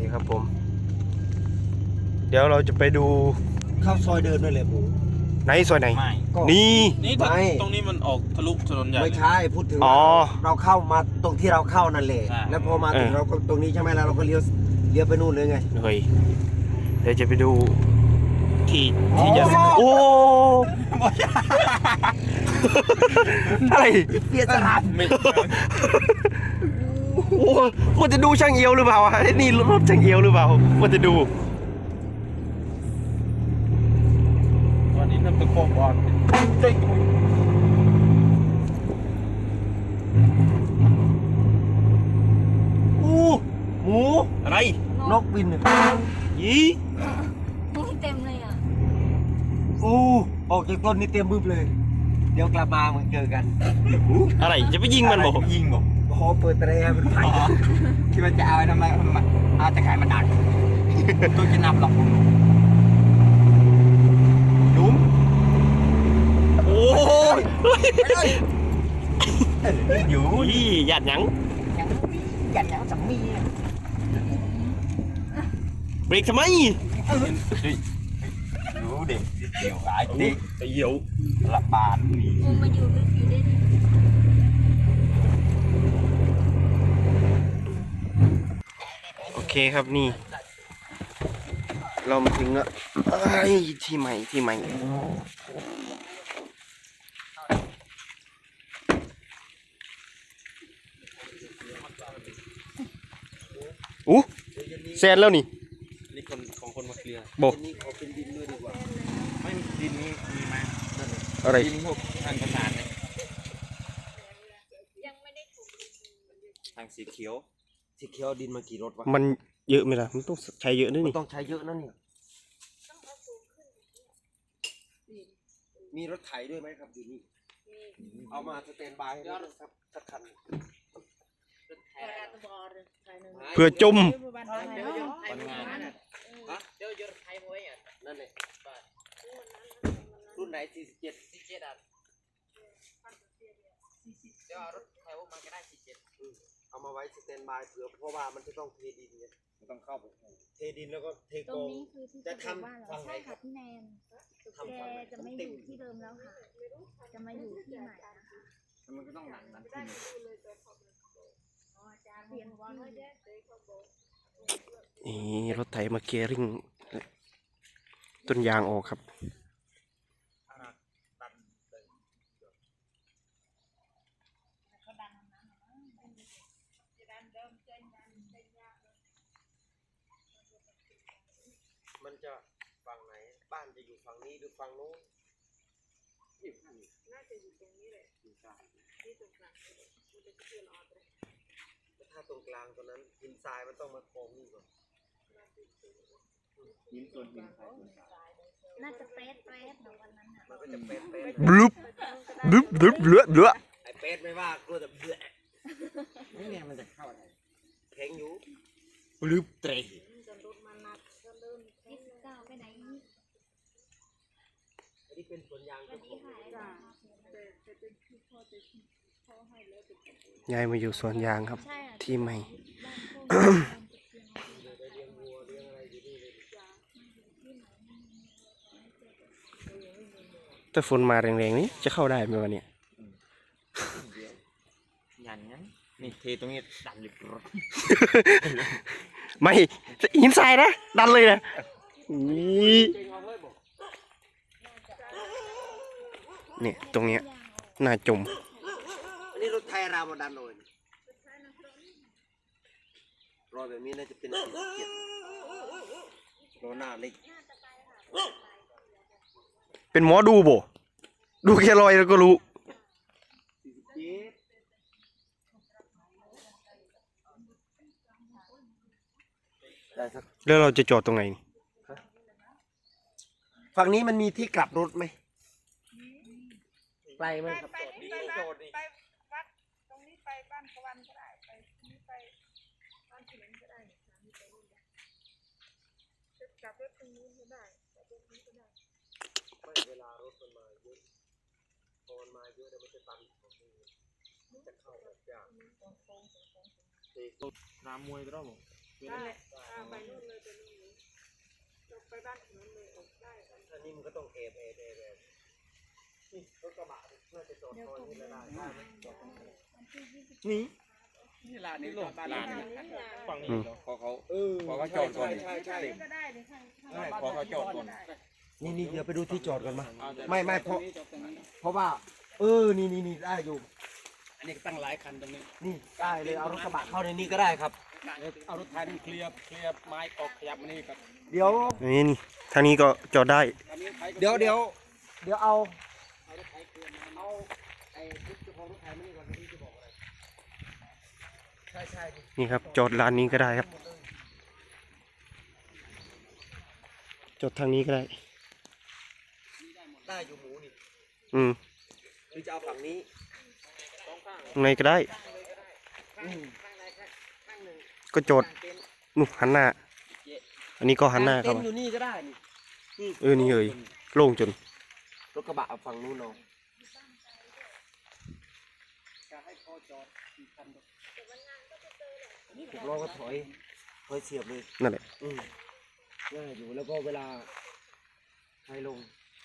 ครับผมเดี๋ยวเราจะไปดูเข้าซอยเดินด้วยเลยหมูไหนซอยไหนไม่นี่นี่ตรงนี้มันออกทะลุถนนใหญ่ไม่ใช่พูดถึงอ๋อเราเข้ามาตรงที่เราเข้านั่นแหละใช่แล้วพอมาถึงเราก็ตรงนี้ใช่ไหมแล้วเราก็เลี้ยวไปนู่นเลยไงเฮ้ยเดี๋ยวจะไปดูที่จะโอ้อะไรเปียสลัดไม่โอ้มันจะดูช่างเอียวหรือเปล่าไอ้นี่รถช่างเอียวหรือเปล่ามันจะดูวันนี้น้ำตะโกบอลเจ๊งหมูอะไรนกบินยี่นี่เต็มเลยอ่ะออกจากต้นนี่เตรียมบึ้บเลย เดี๋ยวกลับมามึงเจอกันอะไรจะไปยิงมันบอกยิงบอกโอ้โหเปิดแตรเป็นไฟคิดว่าจะเอาไว้ทำไมเอาจะขายมันดักตัวจะนับหรอกดุ้มโอ้ยอยู่ยี่หยาดหยังอย่างสามีเบรกทำไมรู้เด็กเดี่ยวหลายเด็กไอ้เหี่ยวละบานนี่กูมาอยู่ลึกอยู่ได้ดิโอเคครับนี่ เรามาถึงแล้วที่ใหม่อู้แซนแล้วนี่นี่คนของคนมาเคลียร์บอกนี่ขอเป็นดินด้วยดีกว่าไม่ดินนี้มีไหมนั่นเลยอะไรดินพวกทางประสานเนี่ยยังไม่ได้ถูกทางสีเขียวสีเขียวดินมากี่รถวะมันเยอะไหมล่ะมันต้องใช้เยอะด้วยมันนี่ต้องใช้เยอะนะเนี่ยมีรถไถด้วยไหมครับอยู่นี่เอามาสแตนบายให้ด้วยครับสักคันเพื่อจมวันงานนั่นแหละรุ่นไหน47อ่ะเอามาไว้สแตนบายเผื่อเพราะว่ามันจะต้องเทดินไงไม่ต้องเข้าไปเทดินแล้วก็เทตกรอง งนี้คือที่จะจะทำบ้านเราฝั่งไหนใช่ครัค่ะบพี่แนนแกจะไม่อยู่ที่เดิมแล้วค่ะ จะมาอยู่ที่ใหม่นะคะมันก็ต้องหนักขึ้นอ๋อจะเรียนที่นี่รถไถมาเกริ่งต้นยางออกครับมันจะฝั่งไหนบ้านจะอยู่ฝั่งนี้หรือฝั่งโน้นน่าจะอยู่ตรงนี้แหละอยู่กลางที่ตรงกลางถ้าตรงกลางตรงนั้นหินทรายมันต้องมาโค้งนี่ก่อนหินส่วนหินใครส่วนกลางน่าจะเป๊ะเดี๋ยววันนั้นอ่ะมันก็จะเป๊ะบลุบเลือไอ้เป๊ะไม่ว่ากลัวแต่เบื่อนี่ไงมันจะเข้าอะไรแข็งอยู่บลุบเตะ 29ไปไหนนี่อันนี้เป็นสวนยางสวัสดีค่ะยายมาอยู่สวนยางครับใช่อ่ะที่ใหม่บ้านโคกได้เลี้ยงวัวเลี้ยงอะไรอยู่นี่เลยถ้าฝนมาแรงๆนี้จะเข้าได้ไหมวันเนี้ยยันงั้นนี่เทตรงนี้ดันอยู่ไม่หินทรายนะดันเลยนะนี่เนี่ยตรงเนี้ยน่าจมอันนี้รถไทยรามาดันเลยรอยแบบนี้น่าจะเป็น47รอหน้าเล็กเป็นหมอดูบ่ดูแค่รอยแล้วก็รู้ได้สักแล้วเราจะจอดตรงไหนนี่ฝั่งนี้มันมีที่กลับรถไหมไกลไหมครับไปวัดตรงนี้ไปบ้านตะวันก็ได้ไปนี้ไปบ้านเขมรก็ได้จะกลับรถตรงนู้นก็ได้กลับรถนี้ก็ได้ไม่เวลารถมันมาเยอะพอมันมาเยอะเดี๋ยวมันจะตันของนี่จะเข้ายากน้ำมวยก็ได้หมดได้ไปนู่นเลยไปนู่นเลยไปบ้านถนนเลยออกได้อันนี้มันก็ต้องเอบนี่รถกระบะเพื่อจะจอดซอยนี้แล้วได้ไหมจอดตรงนี้นี่นี่ลานนี้บ้านร้านนี้นี้เนี่ยฝั่งนี้พอเขา พอเขาจอดก่อนใช่ก็ได้ในข้างใช่พอเขาจอดก่อนนี่เดี๋ยวไปดูที่จอดกันมาเอาแต่ไม่เพราะว่านี่ได้อยู่อันนี้ก็ตั้งหลายคันตรงนี้นี่ได้เลยเอารถกระบะเข้าในนี้ก็ได้ครับเอารถไถนี่เคลียร์ไม้ออกขยับมานี่ครับเดี๋ยวนี่ทางนี้ก็จอดได้อันนี้ไถก็เดี๋ยวเอาเอารถไถเคลียร์มาเอาไอ้รถเจ้าของรถไถมานี่ก่อนที่จะบอกอะไรใช่นี่ครับ จอดร้านนี้ก็ได้ครับ จอดทางนี้ก็ได้ได้อยู่หมูนี่อืมหรือจะเอาฝั่งนี้ตรงไหนก็ได้ ก็จอดนู่นหันหน้า อันนี้ก็หันหน้าเข้าเต็นมาท์อยู่นี่ก็ได้นี่นี่เอ่ยโล่งจนรถกระบะเอาฝั่งนู้นเนาะจะให้พอจอดกี่คันหกล้อก็ถอยเสียบเลยนั่นแหละง่ายอยู่แล้วก็เวลาใครลง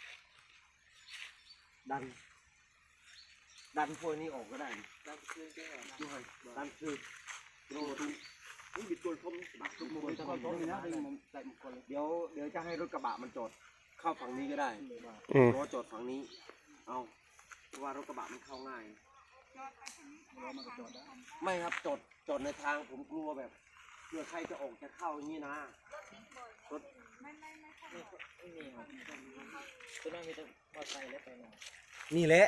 ดันพวกนี้ออกก็ได้ดันคือโน่นนี่บิดตัวชมบักทุกมุมเลยเดี๋ยวจะให้รถกระบะมันจอดเข้าฝั่งนี้ก็ได้ ล้อจอดฝั่งนี้ เอาเพราะว่ารถกระบะมันเข้าง่ายไม่ครับจอดในทางผมกลัวแบบเผื่อใครจะออกจะเข้าอย่างนี้นะรถนี่แหละ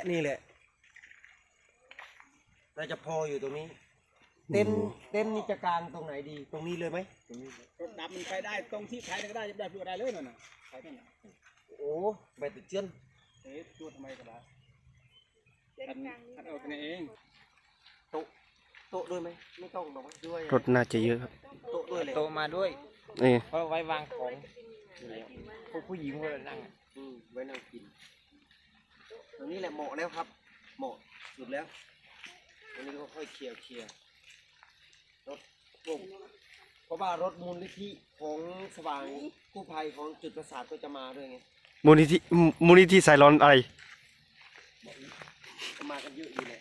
น่าจะพออยู่ตรงนี้ เต้นนี่จะกลางตรงไหนดี ตรงนี้เลยไหมรถดับมันไปได้ตรงที่ไถก็ได้จะได้พูดอะไรเลยนั่นน่ะไถนั่นน่ะโอ้ใบติดเชื้อนพูดทำไมก็ได้เส้นคันกลางนี้เอากันเองโต๊ะด้วยไหมไม่ต้องหรอกด้วยรถน่าจะเยอะครับโต๊ะด้วยเลยโตมาด้วยนี่เพราะไว้วางของพวกผู้หญิงพวกเรานั่งไว้นั่งกินตรงนี้แหละเหมาะแล้วครับเหมาะสุดแล้วตรงนี้ก็ค่อยเคลียร์รถปุ๊บเพราะว่ารถมูลนิธิของสว่างกู้ภัยของจุดประสาทก็จะมาด้วยไงมูลนิธิสายร้อนอะไรก็มากันเยอะอยู่แหละ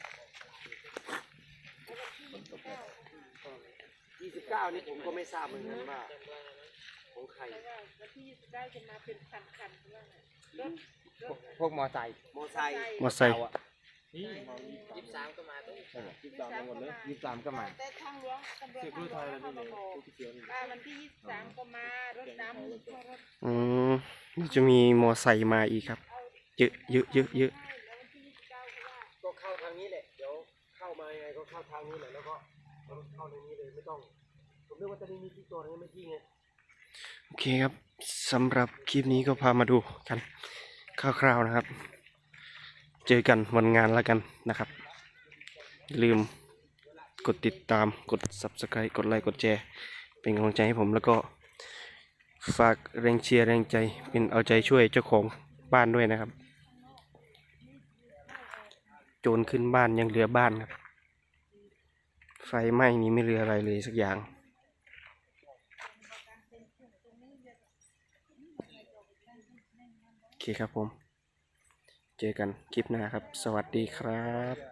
29นี่ผมก็ไม่ทราบเหมือนกันว่าของใครวันที่29จะมาเป็นคันๆว่าไงรถพวกมอไซค์มอไซค์มอไซค์นี่23ก็มาด้วย23หมดเลย23ก็มาแต่ทางหลวงตำรวจทางหลวงเขามาบอกว่าวันที่23ก็มารถดำรถนี่จะมีมอไซค์มาอีกครับ เยอะก็เข้าทางนี้แหละเดี๋ยวเข้ามายังไงก็เข้าทางนี้แหละแล้วก็เข้าในนี้เลยไม่ต้องผมนึกว่าจะมีที่จอดไงไม่ที่ไงโอเคครับสำหรับคลิปนี้ก็พามาดูกันคร่าวๆนะครับ เจอกันวันงานแล้วกันนะครับอย่าลืมกดติดตามกด Subscribe กดไลค์กดแชร์เป็นกำลังใจให้ผมแล้วก็ฝากแรงเชียร์แรงใจเป็นเอาใจช่วยเจ้าของบ้านด้วยนะครับ โจรขึ้นบ้านยังเหลือบ้านครับไฟไหม้นี้ไม่เหลืออะไรเลยสักอย่างโอเคครับผม เจอกันคลิปหน้าครับ สวัสดีครับ